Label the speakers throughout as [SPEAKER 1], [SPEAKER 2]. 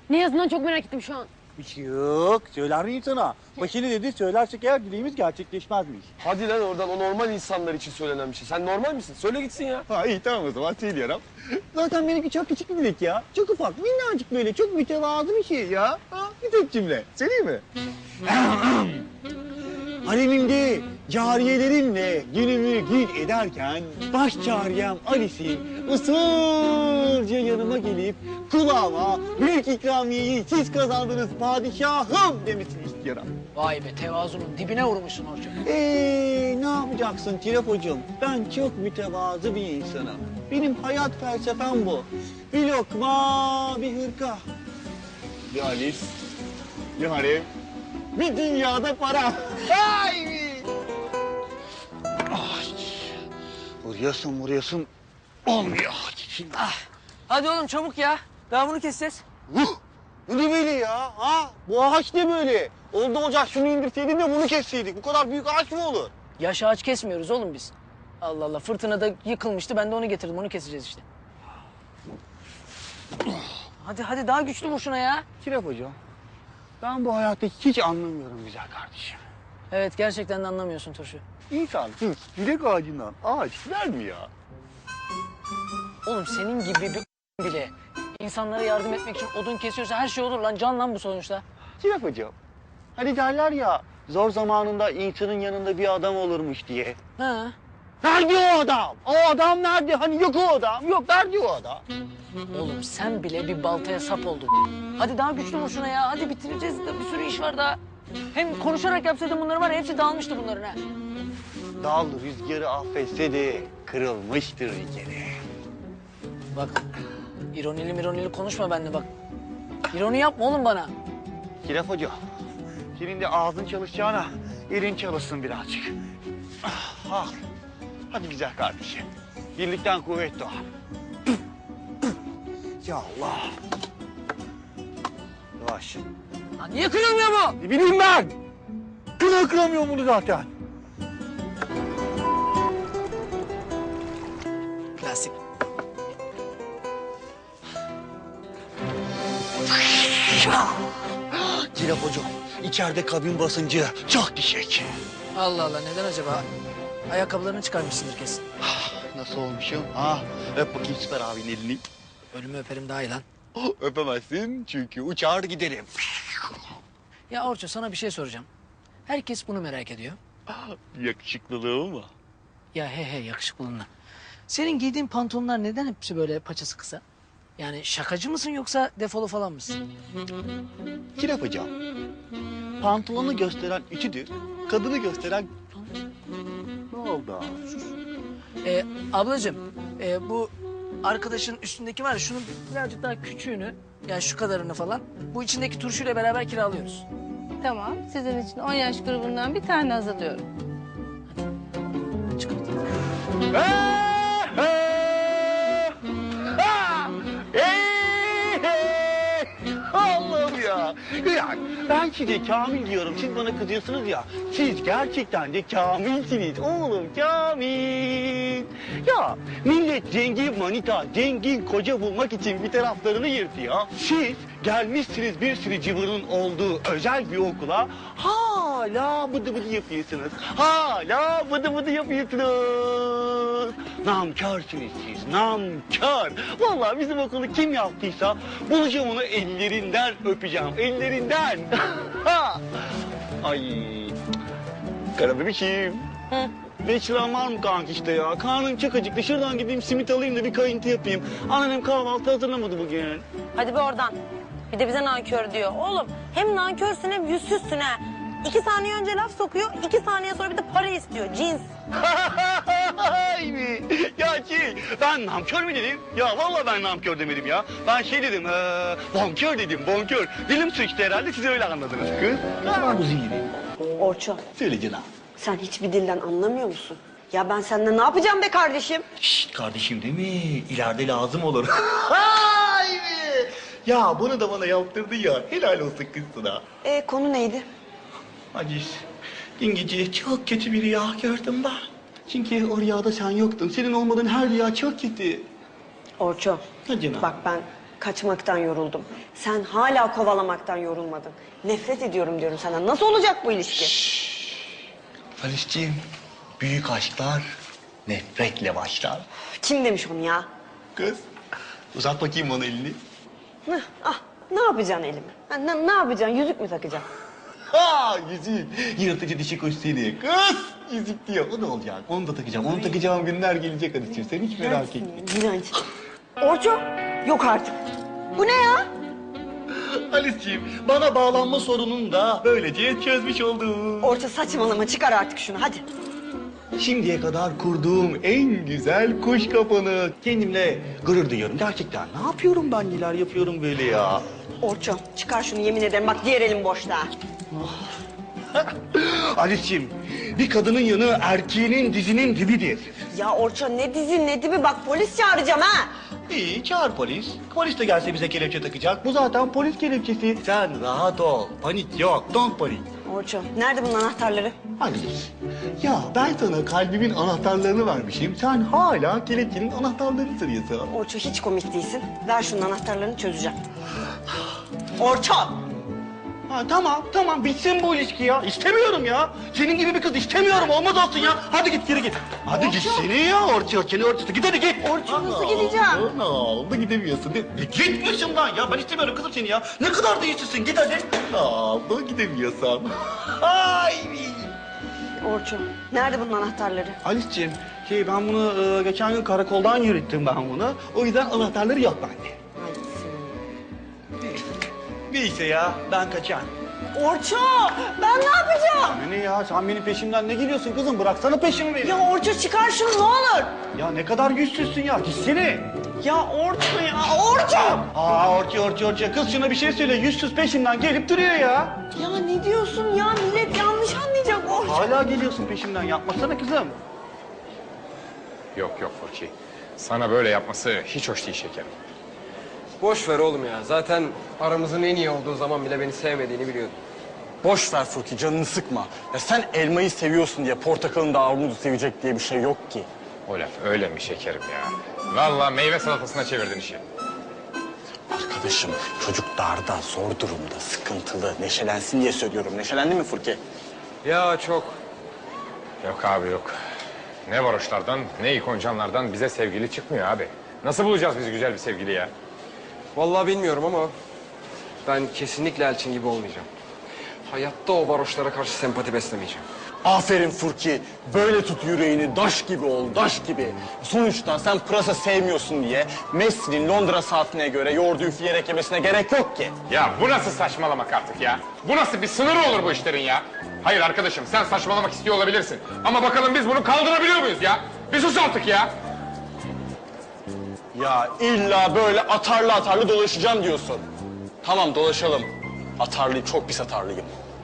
[SPEAKER 1] Ne yazdığından çok merak ettim şu an.
[SPEAKER 2] Bir şey yok. Söyler miyim sana? Başını dedi, söylersek eğer dileğimiz gerçekleşmezmiş.
[SPEAKER 3] Hadi lan oradan, o normal insanlar için söylenen bir şey. Sen normal misin? Söyle gitsin ya.
[SPEAKER 2] Ha iyi tamam o zaman söylüyorum. Zaten benimki çok küçük bir dilek ya. Çok ufak, minnacık böyle, çok mütevazı bir şey ya. Ha, bir tek cümle. Söyleyeyim mi? Haremimde cariyelerimle günümü gün ederken baş cariyem Alice'in usulca yanıma gelip kulağıma büyük ikramiyeyi siz kazandınız padişahım demesini istiyorum.
[SPEAKER 4] Vay be, tevazunun dibine vurmuşsun Orçun.
[SPEAKER 2] Ne yapacaksın Tilafocuğum? Ben çok mütevazı bir insanım. Benim hayat felsefem bu. Bir lokma, bir hırka. Bir Alice, bir harem, bir dünyada para. Ay! Ay! Vuruyorsun. Olmuyor.
[SPEAKER 4] Hadi oğlum çabuk ya. Daha bunu keseceğiz.
[SPEAKER 2] Bu ne böyle ya? Ha? Bu ağaç ne böyle? Oldu olacak şunu indirseydin de bunu kesseydik. Bu kadar büyük ağaç mı olur?
[SPEAKER 4] Yaş ağaç kesmiyoruz oğlum biz. Allah Allah, fırtınada yıkılmıştı, ben de onu getirdim, onu keseceğiz işte. Hadi daha güçlü vur şuna ya.
[SPEAKER 2] Kirap hocam, ben bu hayatta hiç anlamıyorum güzel kardeşim.
[SPEAKER 4] Evet, gerçekten de anlamıyorsun Turşu.
[SPEAKER 2] İnsan hiç dilek ağacından ağaç der mi ya?
[SPEAKER 4] Oğlum senin gibi bir bile insanlara yardım etmek için odun kesiyorsa her şey olur lan, can lan bu sonuçta.
[SPEAKER 2] Kirap hocam, hani derler ya zor zamanında insanın yanında bir adam olurmuş diye.
[SPEAKER 4] Ha.
[SPEAKER 2] Nerede o adam? O adam nerede? Hani yok o adam. Yok nerede o adam?
[SPEAKER 4] Oğlum sen bile bir baltaya sap oldun. Hadi daha güçlü vur şuna ya. Hadi bitireceğiz de, bir sürü iş var daha. Hem konuşarak yapsaydın bunları var ya, hepsi dağılmıştı bunların ha.
[SPEAKER 2] Dal rüzgarı affetse de kırılmıştır bir kere.
[SPEAKER 4] Bak, ironili konuşma benimle bak. İroni yapma oğlum bana.
[SPEAKER 2] Kirap hocam, senin de ağzın çalışacağına elin çalışsın birazcık. Ah. Hadi güzel kardeşim. Birlikten kuvvet doğar. Ya Allah. Yavaş.
[SPEAKER 4] Lan niye kırılmıyor bu?
[SPEAKER 2] Ne bileyim ben. Kıramıyorum bunu zaten.
[SPEAKER 4] Plastik.
[SPEAKER 2] Kirap hocam, içeride kabin basıncı çok düşük.
[SPEAKER 4] Allah Allah, neden acaba? Ayakkabılarını çıkarmışsındır kesin.
[SPEAKER 2] Nasıl olmuşum? Ha? Öp bakayım Süper abinin elini.
[SPEAKER 4] Ölümü öperim daha iyi lan.
[SPEAKER 2] Öpemezsin çünkü uçar giderim.
[SPEAKER 4] Ya Orçun, sana bir şey soracağım. Herkes bunu merak ediyor.
[SPEAKER 2] Yakışıklılığım mı?
[SPEAKER 4] Ya he yakışıklılığına. Senin giydiğin pantolonlar neden hepsi böyle paçası kısa? Yani şakacı mısın yoksa defolu falan mısın?
[SPEAKER 2] Kirap hocam, pantolonu gösteren ütüdür, kadını gösteren... Ne oldu?
[SPEAKER 4] Ablacığım, bu arkadaşın üstündeki var ya, şunun birazcık daha küçüğünü, yani şu kadarını falan, bu içindeki turşuyla beraber kiralıyoruz.
[SPEAKER 1] Tamam, sizin için 10 yaş grubundan bir tane hazırlıyorum.
[SPEAKER 4] Çıkart.
[SPEAKER 2] Allah'ım ya. Ya ben size Kamil diyorum, siz bana kızıyorsunuz ya. Siz gerçekten de Kamilsiniz oğlum, Kamil. Ya millet zengin manita, zengin koca bulmak için bir taraflarını yırtıyor. Siz gelmişsiniz bir sürü cıvırın olduğu özel bir okula. Hala bıdı bıdı yapıyorsunuz. Hala bıdı bıdı yapıyorsunuz. Namkörsünüz siz, namkör. Vallahi bizim okulu kim yaptıysa bulacağım onu, ellerinden öpeceğim, ellerinden. Ay, kara bebişim.
[SPEAKER 1] Hı.
[SPEAKER 2] 5 liram var mı kanka işte ya? Karnım çok acıktı. Şuradan gideyim simit alayım da bir kayıntı yapayım. Annem kahvaltı hazırlamadı bugün.
[SPEAKER 5] Hadi be oradan. Bir de bize nankör diyor. Oğlum hem nankörsün hem yüzsüzsün ha. 2 saniye önce laf sokuyor, 2 saniye sonra bir de para istiyor. Cins.
[SPEAKER 2] Ya ben namkör mü dedim? Ya vallahi ben namkör demedim ya. Ben şey dedim, bonkör dedim, bonkör. Dilim sıçtı herhalde, siz öyle anladınız kız. Ama bu zihni.
[SPEAKER 5] Orçun,
[SPEAKER 2] Söyle canım.
[SPEAKER 5] sen hiçbir dilden anlamıyor musun? Ya ben seninle ne yapacağım be kardeşim?
[SPEAKER 2] Şşt kardeşim değil mi? İleride lazım olur. Ay be! Ya bunu da bana yaptırdın ya. Helal olsun kız sana.
[SPEAKER 5] Konu neydi?
[SPEAKER 2] Aciz, dün gece çok kötü bir rüya gördüm ben. Çünkü o rüyada sen yoktun. Senin olmadığın her rüya çok kötü.
[SPEAKER 5] Orçun,
[SPEAKER 2] Ha canım.
[SPEAKER 5] bak ben
[SPEAKER 6] Kaçmaktan yoruldum. Sen hala kovalamaktan yorulmadın. Nefret ediyorum diyorum sana. Nasıl olacak bu ilişki?
[SPEAKER 2] Halisciğim, büyük aşklar nefretle başlar.
[SPEAKER 6] Kim demiş onu ya?
[SPEAKER 2] Kız, uzat bakayım bana elini.
[SPEAKER 6] Ne yapacaksın elime? Ha, ne yapacaksın? Yüzük mü takacaksın?
[SPEAKER 2] Ha yüzük, yırtıcı dişi kuş seni. Kız, yüzük diyor. O ne olacak? Onu da takacağım. Onu takacağım günler gelecek Halisciğim. Sen hiç merak etme.
[SPEAKER 6] İğrenç. Orço, yok artık. Bu ne ya?
[SPEAKER 2] Halisciğim, bana bağlanma sorununu da böylece çözmüş oldum.
[SPEAKER 6] Orço saçmalama, çıkar artık şunu hadi.
[SPEAKER 2] Şimdiye kadar kurduğum en güzel kuş kafanı. Kendimle gurur duyuyorum gerçekten. Ne yapıyorum ben, neler yapıyorum böyle ya.
[SPEAKER 6] Orço, çıkar şunu, yemin ederim bak diğer elim boşta.
[SPEAKER 2] Halisciğim, bir kadının yanı erkeğinin dizinin dibidir.
[SPEAKER 6] Ya Orço ne dizi ne dibi, bak polis çağıracağım ha.
[SPEAKER 2] İyi, çağır polis. Polis de gelse bize kelepçe takacak. Bu zaten polis kelepçesi. Sen rahat ol. Panik yok. Don't panik.
[SPEAKER 6] Orço, nerede bunun anahtarları?
[SPEAKER 2] Halis, ya ben sana kalbimin anahtarlarını vermişim. Sen hala kelepçenin anahtarlarını sırıyorsun.
[SPEAKER 6] Orço hiç komik değilsin. Ver şunun anahtarlarını, çözeceğim. Orço!
[SPEAKER 2] Ha, tamam bitsin bu ilişki ya. İstemiyorum ya. Senin gibi bir kız istemiyorum. Olmaz olsun ya. Hadi git geri git. Hadi git seni ya Orço. Seni Orço'su. Git hadi git.
[SPEAKER 6] Orço, nasıl gideceğim?
[SPEAKER 2] Ne oldu gidemiyorsun değil mi? Git başımdan ya. Ben istemiyorum kızım seni ya. Ne kadar değişirsin. Git hadi. Ne oldu gidemiyorsan. Ay.
[SPEAKER 6] Orço, nerede bunun anahtarları?
[SPEAKER 2] Halisciğim, ben bunu geçen gün karakoldan yürüttüm ben bunu. O yüzden anahtarları yok bende. Neyse ya, ben kaçar.
[SPEAKER 6] Orço, ben ne yapacağım?
[SPEAKER 2] Ne ya, sen benim peşimden ne geliyorsun kızım? Bıraksana peşimi benim.
[SPEAKER 6] Ya Orço çıkar şunu ne olur.
[SPEAKER 2] Ya ne kadar yüzsüzsün ya, gitsene.
[SPEAKER 6] Ya Orço ya, Orço!
[SPEAKER 2] Orço. Kız şuna bir şey söyle, yüzsüz peşimden gelip duruyor ya.
[SPEAKER 6] Ya ne diyorsun ya, millet yanlış anlayacak Orço.
[SPEAKER 2] Hala geliyorsun peşimden, yapmasana kızım.
[SPEAKER 7] Yok Furki. Sana böyle yapması hiç hoş değil şekerim.
[SPEAKER 3] Boş ver oğlum ya. Zaten aramızın en iyi olduğu zaman bile beni sevmediğini biliyordum.
[SPEAKER 8] Boş ver Furki, canını sıkma. Ya sen elmayı seviyorsun diye portakalın da armudu sevecek diye bir şey yok ki.
[SPEAKER 7] O laf öyle mi şekerim ya? Vallahi meyve salatasına çevirdin işi.
[SPEAKER 8] Arkadaşım, çocuk darda, zor durumda, sıkıntılı. Neşelensin diye söylüyorum. Neşelendin mi Furki?
[SPEAKER 3] Ya çok.
[SPEAKER 7] Yok abi yok. Ne varoşlardan ne ikoncanlardan bize sevgili çıkmıyor abi. Nasıl bulacağız biz güzel bir sevgili ya?
[SPEAKER 3] Vallahi bilmiyorum ama ben kesinlikle Elçin gibi olmayacağım. Hayatta o varoşlara karşı sempati beslemeyeceğim.
[SPEAKER 8] Aferin Furki. Böyle tut yüreğini, daş gibi ol, daş gibi. Sonuçta sen pırasa sevmiyorsun diye Messi'nin Londra saatine göre yoğurdu üfleyerek yemesine gerek yok ki.
[SPEAKER 7] Ya bu nasıl saçmalamak artık ya? Bu nasıl bir sınırı olur bu işlerin ya? Hayır arkadaşım sen saçmalamak istiyor olabilirsin. Ama bakalım biz bunu kaldırabiliyor muyuz ya? Bir sus artık ya.
[SPEAKER 8] Ya illa böyle atarlı dolaşacağım diyorsun. Tamam dolaşalım. Çok pis atarlıyım.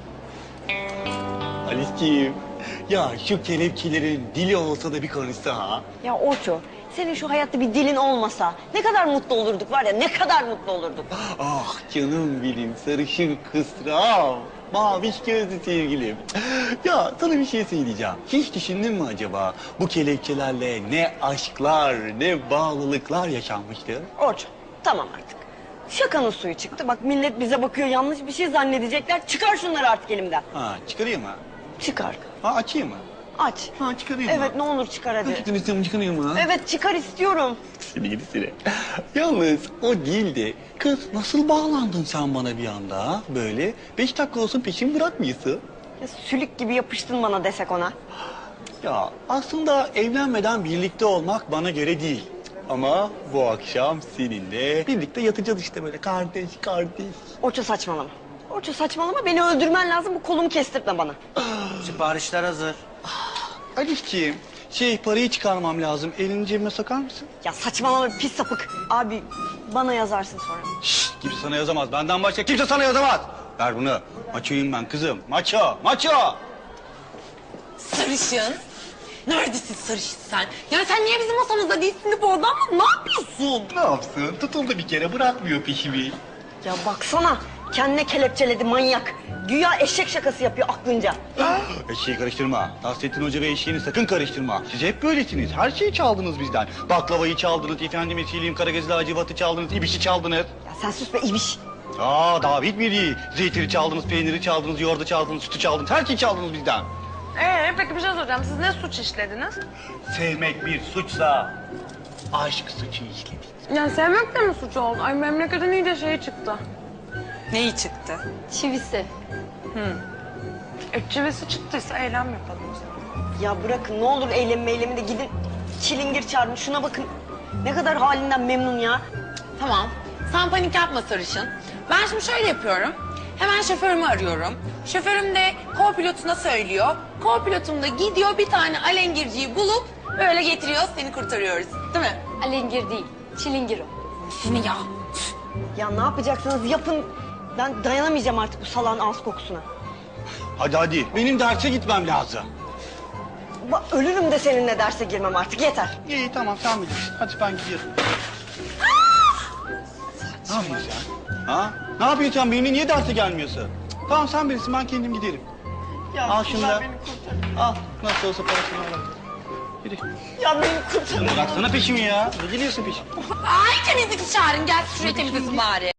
[SPEAKER 2] Halisciğim, ya şu kelepçelerin dili olsa da bir konuşsa ha.
[SPEAKER 6] Ya Orço, senin şu hayatta bir dilin olmasa ne kadar mutlu olurduk var ya, ne kadar mutlu olurduk.
[SPEAKER 2] Ah canım benim sarışın kısram. Maviş gözlü sevgilim. Ya sana bir şey söyleyeceğim. Hiç düşündün mü acaba bu kelepçelerle ne aşklar, ne bağlılıklar yaşanmıştır?
[SPEAKER 6] Orço, tamam artık. Şakanın suyu çıktı. Bak millet bize bakıyor, yanlış bir şey zannedecekler. Çıkar şunları artık elimden.
[SPEAKER 2] Ha çıkarayım mı?
[SPEAKER 6] Çıkar.
[SPEAKER 2] Ha açayım mı?
[SPEAKER 6] Aç.
[SPEAKER 2] Ha çıkarayım mı?
[SPEAKER 6] Evet ne olur çıkar hadi.
[SPEAKER 2] Hakikaten istiyorum çıkarayım mı?
[SPEAKER 6] Evet çıkar istiyorum.
[SPEAKER 2] Seni gidi seni. Yalnız o değildi. Kız nasıl bağlandın sen bana bir anda ha? Böyle 5 dakika olsun peşimi bırakmıyorsun.
[SPEAKER 6] Ya, sülük gibi yapıştın bana desek ona.
[SPEAKER 2] Ya aslında evlenmeden birlikte olmak bana göre değil. Ama bu akşam seninle birlikte yatacağız işte böyle kardeş.
[SPEAKER 6] Orço saçmalama. Orço saçmalama, beni öldürmen lazım, bu kolumu kestirtme bana.
[SPEAKER 2] Siparişler hazır. Alişciğim, parayı çıkarmam lazım. Elini cebime sokar mısın?
[SPEAKER 6] Ya saçmalama pis sapık. Abi bana yazarsın sonra.
[SPEAKER 2] Şşt, kimse sana yazamaz. Benden başka kimse sana yazamaz. Ver bunu. Maçoyum ben kızım. Maço.
[SPEAKER 5] Sarışın. Neredesin sarışın sen? Ya sen niye bizim masamızda değilsin de bu adamla ne yapıyorsun?
[SPEAKER 2] Ne yapsın? Tutuldu bir kere bırakmıyor peşimi.
[SPEAKER 6] Ya baksana, Kendine kelepçeledi manyak. Güya eşek şakası yapıyor aklınca.
[SPEAKER 2] Eşeği karıştırma. Nasrettin Hoca ve eşeğini sakın karıştırma. Siz hep böylesiniz. Her şeyi çaldınız bizden. Baklavayı çaldınız, efendime söyleyeyim Karagözlü Hacivat'ı çaldınız, ibişi çaldınız.
[SPEAKER 6] Ya sen sus be ibiş.
[SPEAKER 2] Daha bitmedi. Zeytini çaldınız, peyniri çaldınız, yoğurdu çaldınız, sütü çaldınız. Her şeyi çaldınız bizden.
[SPEAKER 5] Peki bir şey soracağım. Siz ne suç işlediniz?
[SPEAKER 2] Sevmek bir suçsa aşk suçu işledik.
[SPEAKER 5] Yani sevmek de mi suç oldu? Ay memleketin iyice şeyi çıktı.
[SPEAKER 9] Neyi çıktı?
[SPEAKER 1] Çivisi.
[SPEAKER 5] Çivisi çıktıysa eylem yapalım o zaman.
[SPEAKER 6] Ya bırakın ne olur eylemi de gidin çilingir çağırın. Şuna bakın. Ne kadar halinden memnun ya.
[SPEAKER 9] Tamam. Sen panik yapma sarışın. Ben şimdi şöyle yapıyorum. Hemen şoförümü arıyorum. Şoförüm de co-pilotuna söylüyor. Co-pilotum da gidiyor bir tane alengirciyi bulup böyle getiriyor, seni kurtarıyoruz. Değil mi?
[SPEAKER 1] Alengir değil, çilingir o.
[SPEAKER 9] Seni ya.
[SPEAKER 6] Ya ne yapacaksınız yapın. Ben dayanamayacağım artık bu salağın ağız kokusuna.
[SPEAKER 2] Hadi. Benim derse gitmem lazım.
[SPEAKER 6] Ölürüm de seninle derse girmem artık yeter.
[SPEAKER 2] İyi tamam sen bilirsin. Hadi ben gidiyorum. Ne yapıyorsun sen? Ha? Ne yapıyorsun sen? Benimle niye derse gelmiyorsun? Tamam sen bilirsin ben kendim giderim. Al şunu da. Al. Nasıl olsa parasını al. Yürü.
[SPEAKER 6] Ya beni kurtarın.
[SPEAKER 2] Bıraksana peşimi ya. Ne geliyorsun peşime?
[SPEAKER 9] Ay temizlikçi çağırın, gel şuraya temizlesin bari.